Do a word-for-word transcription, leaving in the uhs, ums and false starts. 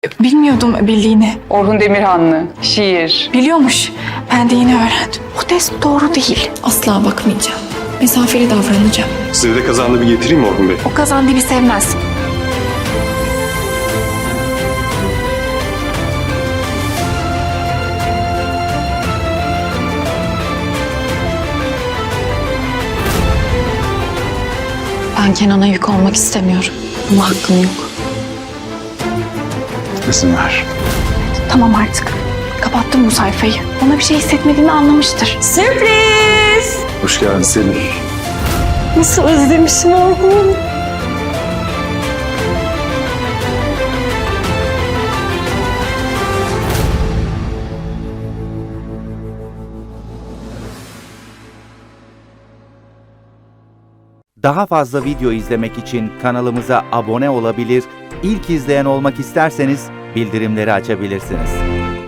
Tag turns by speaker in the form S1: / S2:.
S1: Bilmiyordum bildiğini.
S2: Orhun Demirhanlı, şiir.
S1: Biliyormuş. Ben de yeni öğrendim. Bu test doğru değil. Asla bakmayacağım. Mesafeli davranacağım.
S3: Size de kazandı bir getireyim mi Orhun Bey?
S1: O kazan dibi sevmez. Ben Kenan'a yük olmak istemiyorum. Ama hakkım yok.
S3: İzin ver.
S1: Tamam artık. Kapattım bu sayfayı. Ona bir şey hissetmediğini anlamıştır. Sürpriz!
S3: Hoş geldin Selin.
S1: Nasıl özlemişim Orhun.
S4: Daha fazla video izlemek için kanalımıza abone olabilir, ilk izleyen olmak isterseniz bildirimleri açabilirsiniz.